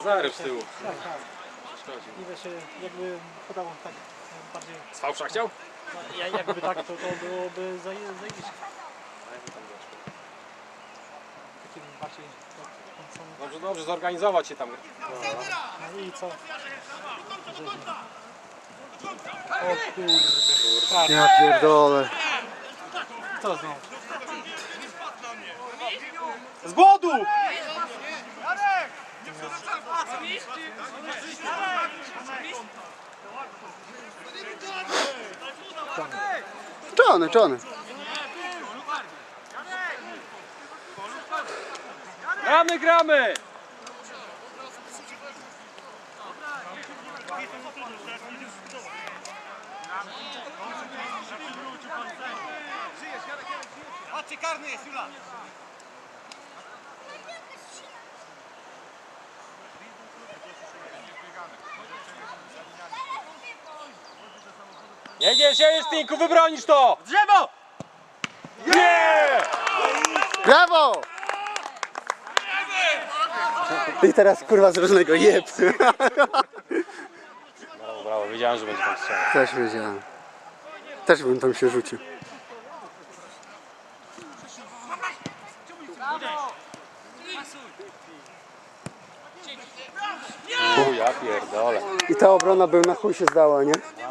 Zaryw z tyłu. Tak, tak. I wiesz, jakby podał tak bardziej... Z fałsza chciał? Jakby tak, to byłoby zajebiście. Takim bardziej... Dobrze, dobrze, zorganizować się tam. No i co? O kurde. Tak. Ja pierdolę. Co znowu? Z bodu! Czony. Gramy! Patrzcie, karny jest, Jula! Jedziesz, Tinku, wybronisz to! Drzewo! Nie! Brawo! I teraz kurwa z różnego jeb. Brawo, brawo, wiedziałem, że będzie tam strzelał. Też wiedziałem. Też bym tam się rzucił. Ja pierdolę. I ta obrona by na chuj się zdała, nie?